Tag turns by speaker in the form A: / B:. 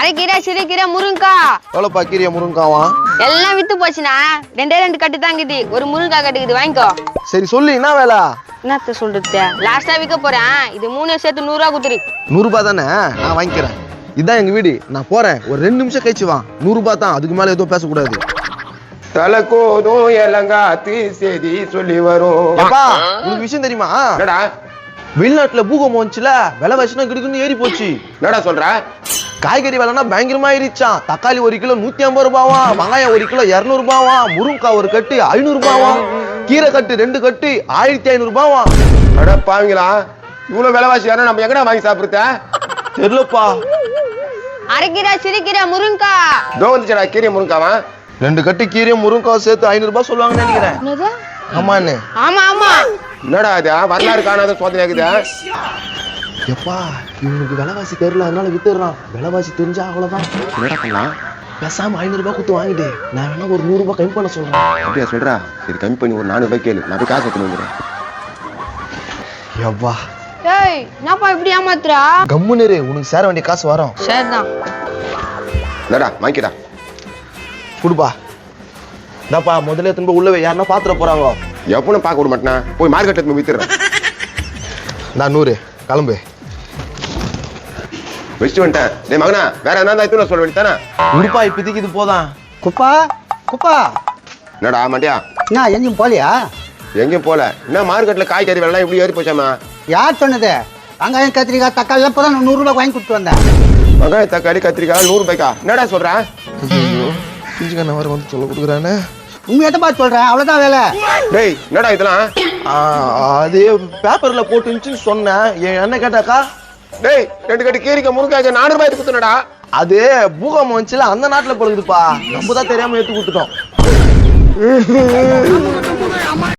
A: அரைக்கீரை சிறுகீரை முருங்கக்காய்.
B: எவ்வளோப்பா கீரையா முருங்காவா?
A: எல்லாம் வித்து போச்சுண்ணா. 2 கட்டு தாங்குது. ஒரு முருங்கக்காய் கட்டுக்குது, வாங்கிக்கோ.
B: சரி சொல்லு, என்ன வேலை?
A: என்னத்த சொல்றது, லாஸ்டா விற்க போறேன். இது 3 சேர்த்து 100 ரூபா குத்துரு.
B: 100 ரூபாய் தானே, நான் வாங்கிக்கிறேன். இதான் எங்க வீடு, நான் போறேன். ஒரு 2 நிமிஷம் கழிச்சு வா. 100 ரூபாய் தான், அதுக்கு மேல எதுவும் பேசக்கூடாது.
C: தலைக்கோதும் எலங்காத்து செய்தி சொல்லி வரும்.
B: உனக்கு விஷயம் தெரியுமா?
C: என்னடா
B: வெளிநாட்டுல பூகம்பம் வந்துச்சுல, விலைவாசினா கிடுக்குன்னு ஏறி போச்சு.
C: என்னடா சொல்ற?
B: காய்கறி விலைனா பயங்கரமா ஏறிச்சான். தக்காளி 1 கிலோ 150 ரூபாவா, வெங்காயம் 1 கிலோ 200 ரூபாவா, முருங்காய் ஒரு கட்டு 500 ரூபாவா, கீரை கட்டு 2 கட்டு 1500 ரூபாவா.
C: அட பாவீங்களா, இவ்வளவு விலைவாசி யாரும் நம்ம எங்கடா வாங்கி சாப்பிடுறத?
B: தெரியலப்பா.
A: அரைக்கீரை சிறுகீரை முருங்கக்காய்.
C: இதோ வந்துச்சடா கீரை முருங்காவா.
B: 2 கட்டு கீரையும் முருங்காய் சேர்த்து 500 ரூபாய் சொல்லுவாங்கன்னு நினைக்கிறேன். ஆமாண்ணே.
A: ஆமா ஆமா.
C: என்னடா இது வரலாறு காணாத சோதனை ஆகுது.
B: எப்பா இவனுக்கு விலைவாசி தெரியல, அதனால வித்துடுறான். விலைவாசி தெரிஞ்சா அவ்வளவுதான்.
C: என்னடா பண்ணலாம்?
B: பேசாம 500 ரூபாய் கொடுத்து வாங்கிட்டு நான் வேணா ஒரு 100 ரூபாய் கம்மி பண்ண சொல்றேன்.
C: அப்படியா சொல்றா? இது கம்மி பண்ணி ஒரு 400 ரூபாய் கேளு, நான் போய் காசு எடுத்துட்டு வந்துடுறேன்.
B: எவ்வா
A: ஏய், என்னப்பா இப்படி ஏமாத்துறா?
B: கம்முன்னு உனக்கு சேர வேண்டிய காசு வரும்.
A: சரிதான்.
C: என்னடா வாங்கிடா.
B: கொடுப்பா. இதாப்பா முதல்ல திரும்ப உள்ளவே யாருன்னா பாத்துற போறாங்க.
C: எப்பவும் பார்க்க விட மாட்டேனா, போய் மார்க்கெட்ல போய் வித்துறேன்.
B: நான் 100 கிளம்பு.
C: வச்சு வந்துட்டேன். டேய் மகனா, வேற என்ன தான் சொல்ல வேண்டியதானே?
B: உடுப்பா இப்போதைக்கு இது போதான்.
D: குப்பா குப்பா,
C: என்னடா மாட்டியா?
D: என்ன எங்கேயும் போலியா?
C: எங்கேயும் போல. என்ன மார்க்கெட்ல காய்கறி விலை இப்படி ஏறி போச்சாமா?
D: யார் சொன்னது? வெங்காயம் கத்திரிக்காய் தக்காளி எல்லாம் இப்போதான் 100 ரூபாய் வாங்கி கொடுத்து வந்தேன்.
C: வெங்காயம் தக்காளி கத்திரிக்காய் 100 ரூபாய்க்கா? என்னடா சொல்ற?
B: பிஞ்சுக்கண்ண வர வந்து சொல்ல கொடுக்குறானே.
D: உண்மையாட்ட பார்த்து சொல்றேன், அவ்வளவுதான் வேலை.
C: டேய் என்னடா இதெல்லாம்?
B: அது பேப்பர்ல போட்டுன்னு சொன்னேன். என் என்ன கேட்டாக்கா,
C: டேய் 2 கட்டு கீரைக்கு முருங்காய்க்கு 400 ரூபாய் கொடுத்துனடா.
B: அது பூகம்பம் வந்துச்சுல, அந்த நாட்டுல பொழுதுப்பா, நம்ம தான் தெரியாம எடுத்து கொடுத்துட்டோம்.